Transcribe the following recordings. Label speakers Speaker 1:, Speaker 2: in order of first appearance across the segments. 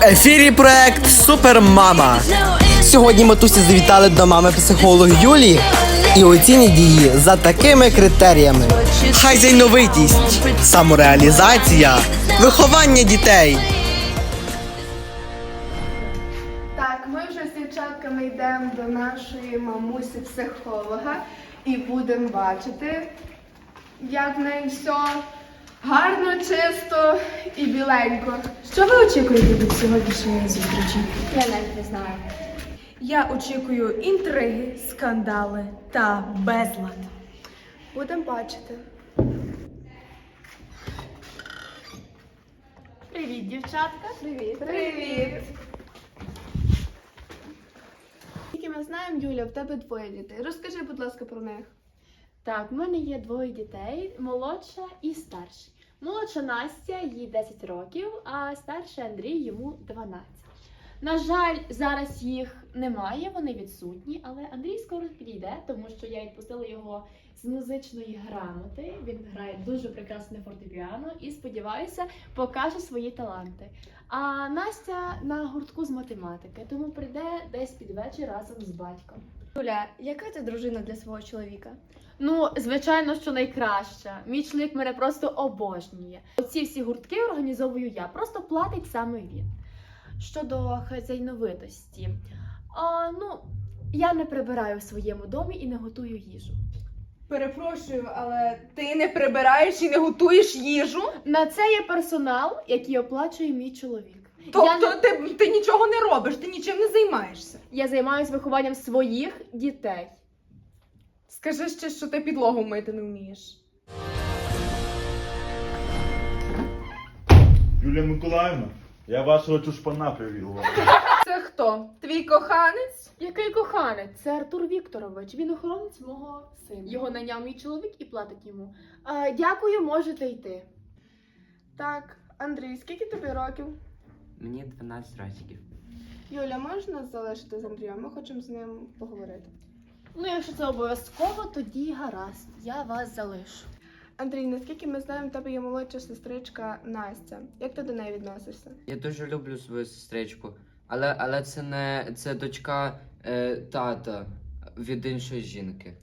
Speaker 1: В ефірі проект Супермама. Сьогодні матусі завітали до мами-психолога Юлії і оцінять її за такими критеріями: хазяйновитість, самореалізація, виховання дітей.
Speaker 2: Так, ми вже з дівчатками йдемо до нашої мамусі-психолога і будемо бачити, як в неї все гарно, чисто і біленько. Що ви очікуєте від сьогоднішньої зустрічі?
Speaker 3: Я навіть не знаю.
Speaker 4: Я очікую інтриги, скандали та безлад.
Speaker 2: Будемо бачити.
Speaker 3: Привіт, дівчатка.
Speaker 2: Привіт. Привіт. Тільки ми знаємо, Юля, в тебе двоє дітей. Розкажи, будь ласка, про них.
Speaker 3: Так, в мене є двоє дітей, молодша і старший. Молодша Настя, їй 10 років, а старший Андрій, йому 12. На жаль, зараз їх немає, вони відсутні, але Андрій скоро підійде, тому що я відпустила його з музичної грамоти. Він грає дуже прекрасне фортепіано і, сподіваюся, покаже свої таланти. А Настя на гуртку з математики, тому прийде десь під вечір разом з батьком.
Speaker 5: Юля, яка ти дружина для свого чоловіка?
Speaker 3: Ну, звичайно, що найкраща. Мій чоловік мене просто обожнює. Оці всі гуртки організовую я, просто платить саме він. Щодо хазяйновитості, я не прибираю в своєму домі і не готую їжу.
Speaker 4: Перепрошую, але ти не прибираєш і не готуєш їжу?
Speaker 3: На це є персонал, який оплачує мій чоловік.
Speaker 4: Тобто ти нічого не робиш, ти нічим не займаєшся?
Speaker 3: Я займаюся вихованням своїх дітей.
Speaker 4: Скажи ще, що ти підлогу мити не вмієш.
Speaker 6: Юлія Миколаївна, я вашого чушпана привів.
Speaker 4: Це хто? Твій коханець?
Speaker 3: Який коханець? Це Артур Вікторович. Він охоронець мого сина. Його найняв мій чоловік і платить йому. Дякую, можете йти.
Speaker 2: Так, Андрій, скільки тобі років?
Speaker 7: Мені 12 років.
Speaker 2: Юля, можеш нас залишити з Андрієм? Ми хочемо з ним поговорити.
Speaker 3: Ну, якщо це обов'язково, тоді гаразд. Я вас залишу.
Speaker 2: Андрій, наскільки ми знаємо, в тебе є молодша сестричка Настя. Як ти до неї відносишся?
Speaker 7: Я дуже люблю свою сестричку, але це дочка тата від іншої жінки.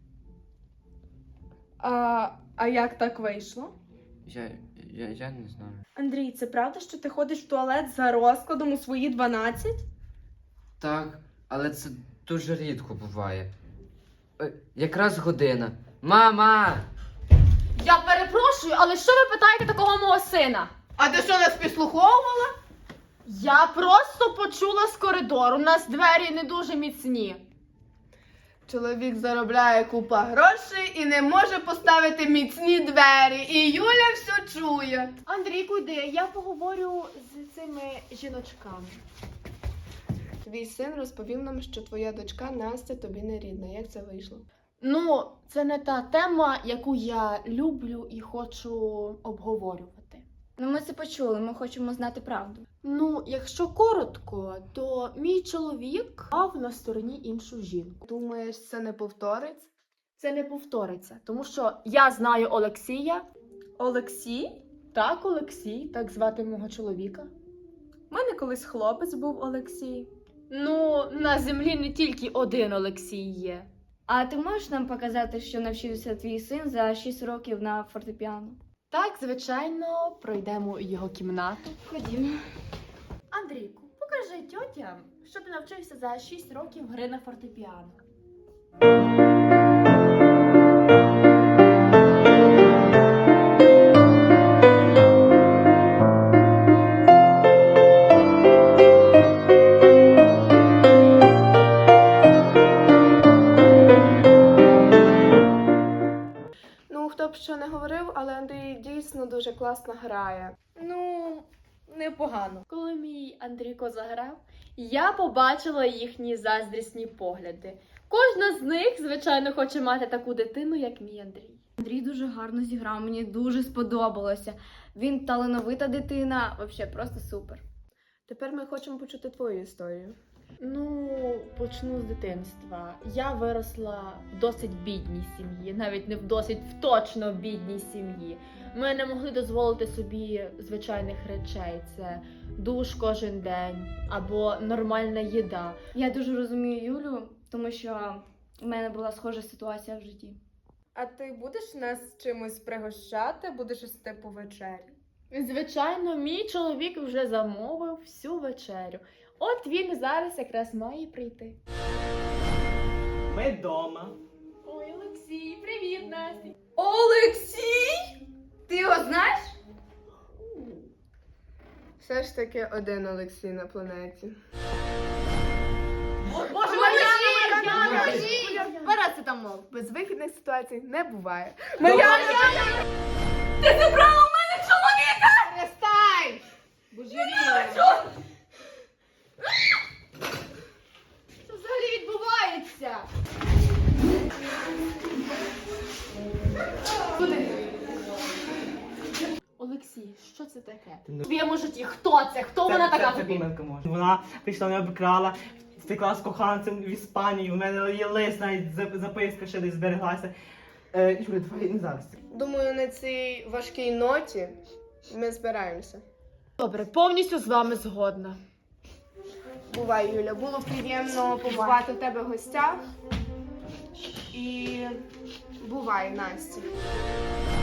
Speaker 4: А як так вийшло?
Speaker 7: Я не знаю.
Speaker 4: Андрій, це правда, що ти ходиш в туалет за розкладом у свої 12?
Speaker 7: Так, але це дуже рідко буває. Якраз година. Мама!
Speaker 3: Я перепрошую, але що ви питаєте такого мого сина?
Speaker 2: А ти що, нас підслуховувала?
Speaker 3: Я просто почула з коридору. У нас двері не дуже міцні.
Speaker 2: Чоловік заробляє купа грошей і не може поставити міцні двері. І Юля все чує.
Speaker 3: Андрійку, йди, я поговорю з цими жіночками.
Speaker 2: Твій син розповів нам, що твоя дочка Настя тобі не рідна. Як це вийшло?
Speaker 3: Ну, це не та тема, яку я люблю і хочу обговорювати.
Speaker 5: Ну ми це почули, ми хочемо знати правду.
Speaker 3: Ну, якщо коротко, то мій чоловік мав на стороні іншу жінку.
Speaker 2: Думаєш, це не повториться?
Speaker 3: Це не повториться, тому що я знаю Олексія.
Speaker 4: Олексій?
Speaker 3: Так, Олексій, так звати мого чоловіка.
Speaker 4: У мене колись хлопець був Олексій.
Speaker 3: Ну, на землі не тільки один Олексій є.
Speaker 5: А ти можеш нам показати, що навчився твій син за 6 років на фортепіано?
Speaker 3: Так, звичайно, пройдемо його кімнату.
Speaker 5: Ходімо.
Speaker 3: Андрійку, покажи тьотям, що ти навчився за 6 років гри на фортепіано.
Speaker 2: Ну, хто б що не говорив, але Андрій дійсно дуже класно грає.
Speaker 4: Ну, непогано.
Speaker 3: Коли мій Андрійко заграв, я побачила їхні заздрісні погляди. Кожна з них, звичайно, хоче мати таку дитину, як мій Андрій.
Speaker 5: Андрій дуже гарно зіграв, мені дуже сподобалося. Він талановита дитина, взагалі просто супер.
Speaker 2: Тепер ми хочемо почути твою історію.
Speaker 3: Ну, почну з дитинства. Я виросла в досить бідній сім'ї, навіть не в досить, в точно бідній сім'ї. Ми не могли дозволити собі звичайних речей. Це душ кожен день або нормальна їда.
Speaker 5: Я дуже розумію Юлю, тому що в мене була схожа ситуація в житті.
Speaker 4: А ти будеш нас чимось пригощати? Будеш їсти по вечері?
Speaker 3: Звичайно, мій чоловік вже замовив всю вечерю. От він зараз якраз має прийти.
Speaker 8: Ми вдома.
Speaker 3: Ой, Олексій, привіт, Настя!
Speaker 4: Олексій! Ти його знаєш?
Speaker 2: Все ж таки один Олексій на планеті.
Speaker 3: Боже,
Speaker 2: Парацетамол. Безвихідних ситуацій не буває.
Speaker 3: Перестань! Що взагалі відбувається? Олексій, що це таке? В твоєму житті хто це? Хто вона така
Speaker 8: Це
Speaker 3: тобі?
Speaker 8: помилка може. Вона прийшла, мене обікрала, втекла з коханцем в Іспанію, в мене є лист, навіть записка ще десь збереглася. Юля, давай не зараз.
Speaker 2: Думаю, на цій важкій ноті ми збираємося.
Speaker 3: Добре, повністю з вами згодна.
Speaker 2: Бувай, Юля, було приємно побувати в тебе в гостях. І бувай, Настя.